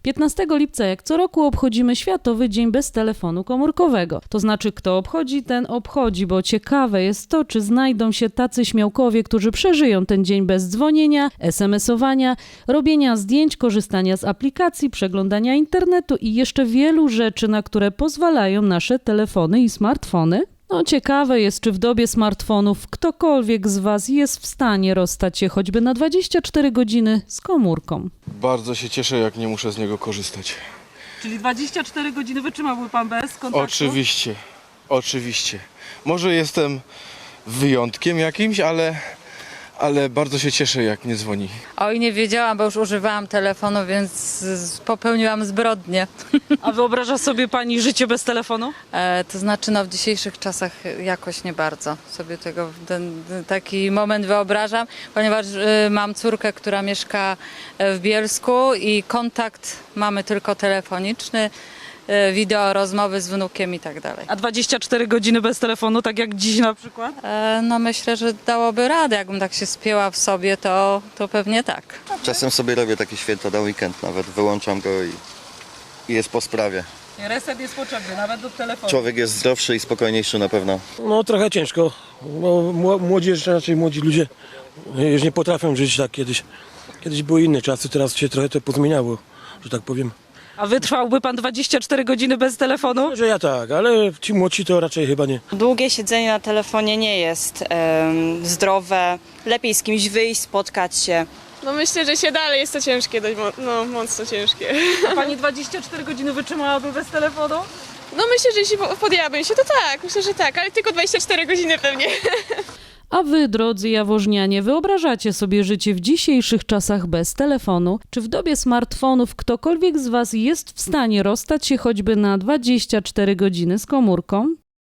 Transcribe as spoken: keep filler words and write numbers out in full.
piętnastego lipca jak co roku obchodzimy Światowy Dzień Bez Telefonu Komórkowego. To znaczy, kto obchodzi, ten obchodzi, bo ciekawe jest to, czy znajdą się tacy śmiałkowie, którzy przeżyją ten dzień bez dzwonienia, es em esowania, robienia zdjęć, korzystania z aplikacji, przeglądania internetu i jeszcze wielu rzeczy, na które pozwalają nasze telefony i smartfony. No ciekawe jest, czy w dobie smartfonów ktokolwiek z Was jest w stanie rozstać się choćby na dwadzieścia cztery godziny z komórką. Bardzo się cieszę, jak nie muszę z niego korzystać. Czyli dwadzieścia cztery godziny wytrzymałby Pan bez kontaktu? Oczywiście, oczywiście. Może jestem wyjątkiem jakimś, ale, ale bardzo się cieszę, jak nie dzwoni. Oj, nie wiedziałam, bo już używałam telefonu, więc z- popełniłam zbrodnię. A wyobraża sobie Pani życie bez telefonu? E, to znaczy, no w dzisiejszych czasach jakoś nie bardzo sobie tego ten, taki moment wyobrażam, ponieważ e, mam córkę, która mieszka w Bielsku i kontakt mamy tylko telefoniczny, e, wideo, rozmowy z wnukiem i tak dalej. A dwadzieścia cztery godziny bez telefonu, tak jak dziś na przykład? E, no myślę, że dałoby radę, jakbym tak się spięła w sobie, to, to pewnie tak. Czasem sobie robię takie święto na weekend nawet, wyłączam go i, i jest po sprawie. Reset jest potrzebny, nawet do telefonu. Człowiek jest zdrowszy i spokojniejszy na pewno. No trochę ciężko, bo mło- młodzież, raczej młodzi ludzie już nie potrafią żyć tak kiedyś. Kiedyś były inne czasy, teraz się trochę to pozmieniało, że tak powiem. A wytrwałby Pan dwadzieścia cztery godziny bez telefonu? Że ja tak, ale ci młodsi to raczej chyba nie. Długie siedzenie na telefonie nie jest em, zdrowe. Lepiej z kimś wyjść, spotkać się. No myślę, że się dalej jest to ciężkie, dość mo- no mocno ciężkie. A Pani dwadzieścia cztery godziny wytrzymałaby bez telefonu? No myślę, że jeśli po- podjęłabym się, to tak, myślę, że tak, ale tylko dwadzieścia cztery godziny pewnie. A wy, drodzy jaworznianie, wyobrażacie sobie życie w dzisiejszych czasach bez telefonu? Czy w dobie smartfonów ktokolwiek z Was jest w stanie rozstać się choćby na dwadzieścia cztery godziny z komórką?